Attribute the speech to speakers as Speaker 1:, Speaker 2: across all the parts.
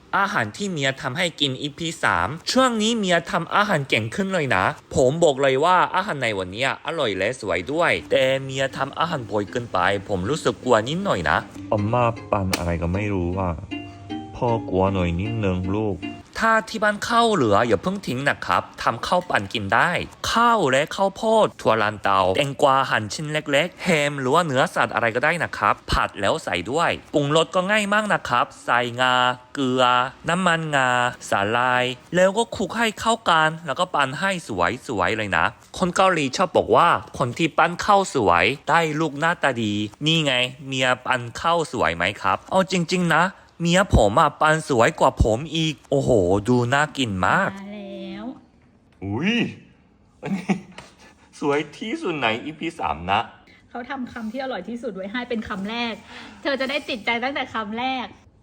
Speaker 1: อาหารที่เมียทำให้กิน EP 3ช่วงนี้เมียทำอาหารเก่งขึ้นเลยนะ ผมบอกเลยว่าอาหารในวันนี้อร่อยและสวยด้วย แต่เมียทำอาหารบ่อยเกินไปผมรู้สึกกลัวนิดหน่อยนะ
Speaker 2: 엄마ปั่นอะไรก็ไม่รู้อ่ะพ่อกลัวหน่อยนิดนึงลูก
Speaker 1: ถ้าที่บ้านข้าวเหลืออย่าเพิ่งทิ้งนะครับทำข้าวปั่นกินได้ข้าวและข้าวโพดถั่วลันเตาแตงกวาหั่นชิ้นเล็กๆแฮมหรือว่าเนื้อสัตว์อะไรก็ได้นะครับผัดแล้วใส่ด้วยปรุงรสก็ง่ายมากนะครับใส่งาเกลือน้ำมันงาสาลายแล้วก็คลุกให้เข้ากันแล้วก็ปั่นให้สวยๆเลยนะคนเกาหลีชอบบอกว่าคนที่ปั้นข้าวสวยได้ลูกหน้าตาดีนี่ไงเมียปั้นข้าวสวยไหมครับเอาจริงๆนะเมียผมปันสวยกว่าผมอีกโอ้โหดูน่ากินมาก
Speaker 3: มาแล้ว
Speaker 1: อุ้ยอันนี้สวยที่สุดใน EP 3นะ
Speaker 3: เขาทำคำที่อร่อยที่สุดไว้ให้เป็นคำแรก เธอจะได้ติดใจตั้งแต่คำแรก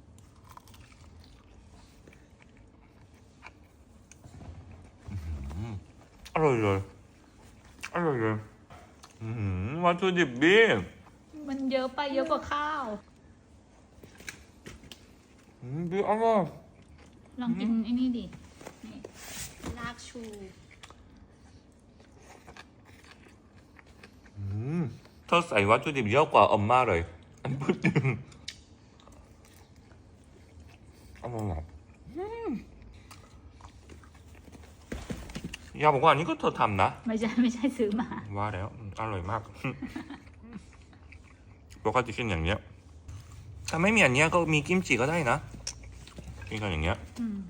Speaker 1: อร่อยเลยอร่อยเลยวัตถุดิบดี
Speaker 3: มันเยอะไปเยอะกว่าข้าว
Speaker 1: ดีอร่อย
Speaker 3: ลองกินไอ้นี่ดินี่รากชู
Speaker 1: เธอใส่วัตถุดิบเยอะกว่าอมมาเลยอันพูดจริงอร่อยยาบอกว่าอันนี้ก็เธอทำนะ
Speaker 3: ไม่ใช่ซื้อมา
Speaker 1: ว่าแล้วอร่อยมากปกติกินอย่างเนี้ยถ้าไม่มีอันเนี้ยก็มีกิมจิก็ได้นะกินกันอย่างเงี้ย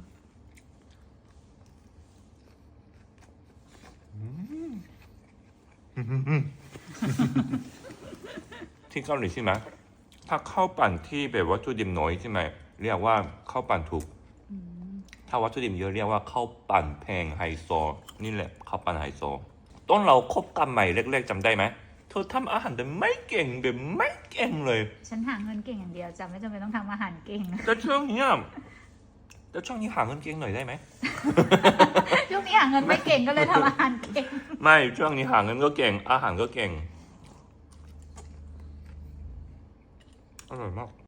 Speaker 1: ที่เกาหลีใช่ไหมถ้าข้าวปั่นที่แบบวัตถุดิบน้อยใช่ไหมเรียกว่าข้าวปั่นถูกถ้าวัตถุดิบเยอะเรียกว่าข้าวปั่นแพงไฮโซนี่แหละข้าวปั่นไฮโซต้นเราคบกันใหม่เล็กๆจำได้ไหมเธอทำอาหารแต่ไม่เก่งแบบไม่เก่งเลย
Speaker 3: ฉันหาเงินเก่งอย่างเดียวจะไม่จำเป็นต้องทำอาหารเก่ง
Speaker 1: แต่ช่วงนี้หาเงินเก่งหน่อยได้ไหม
Speaker 3: ช่วงนี้หาเงินไม่เก่งก็เลยทำอาหารเก่ง
Speaker 1: ไม่ช่วงนี้หาเงินก็เก่งอาหารก็เก่งอร่อยมาก